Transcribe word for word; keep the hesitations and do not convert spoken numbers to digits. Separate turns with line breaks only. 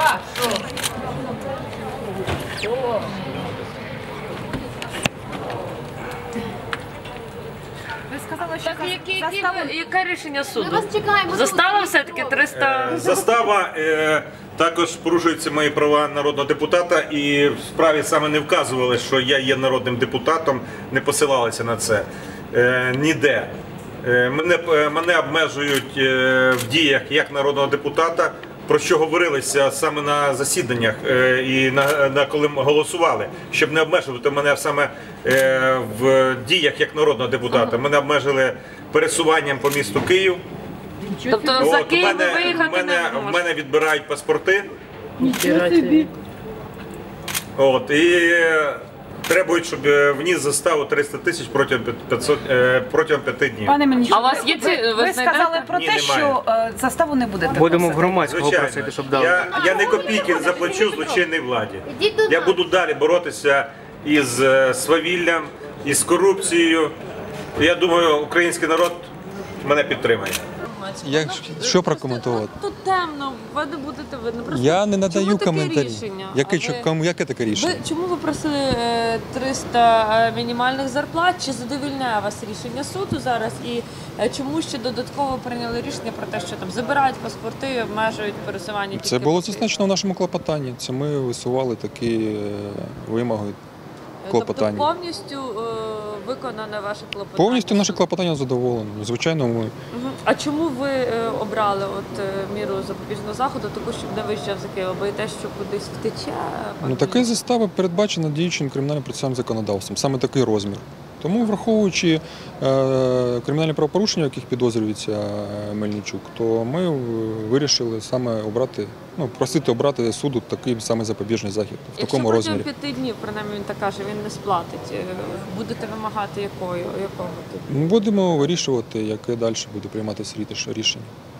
Ви сказали, що
Так, які, які,
застава...
яке рішення суду?
Ми вас чекаємо.
Застава все-таки триста...
Е, Застава, е, також порушуються мої права народного депутата, і в справі саме не вказували, що я є народним депутатом, не посилалися на це е, ніде. Е, мене, е, мене обмежують е, в діях як народного депутата, про що говорилися саме на засіданнях е, і на, на коли ми голосували, щоб не обмежувати мене саме е, в діях як народного депутата. Мене обмежили пересуванням по місту Київ.
Тобто за
От, в
Київ
мене, в
виїхати
мене,
не
в
можна?
мене відбирають паспорти. От, і требують, щоб вніс заставу триста тисяч протягом п'ятисот, е, протягом п'яти днів.
Пане Мельничук,
А у вас є ці- ви
ви сказали
знайдете?
про
Ні,
те,
немає.
що е, заставу не будете
Будемо в
просити.
громадського
Звичайно,
просити, щоб дали.
я, я не копійки заплачу злочинній владі.
Ідіть до
Я
нас.
буду далі боротися із е, свавіллям, із корупцією. Я думаю, український народ мене підтримає.
Як, що прокоментувати?
Тут темно, ви не будете видно. Просто
Я не надаю
чому таке
коментарі.
рішення?
Яке,
А
що-
ви-
кому- яке таке рішення?
Ви, чому ви просили е, триста е, мінімальних зарплат? Чи задовільняє вас рішення суду зараз? І е, чому ще додатково прийняли рішення про те, що там забирають паспорти, обмежують пересування?
Це
тільки
було
по Києву?
зазначено в нашому клопотанні. Це ми висували такі е, вимоги клопотання.
Тобто повністю е, виконане ваше клопотання?
Повністю наше клопотання задоволено. Звичайно, ми
Мгм. А чому ви е, обрали от е, міру запобіжного заходу, таку, щоб не виїжджав за Києва? Боїтесь, що кудись втече?
ну така застава передбачена діючим кримінальним процесуальним законодавством, саме такий розмір. Тому, враховуючи е, кримінальні правопорушення, в яких підозрюється е, Мельничук, то ми вирішили саме обрати, ну просити обрати суду такий саме запобіжний захід в такому
Якщо
розмірі.
протягом п'яти днів, принаймні він так каже, він не сплатить, е, будете вимагати якою, якого?
Ми будемо вирішувати, яке далі буде прийматися рішення.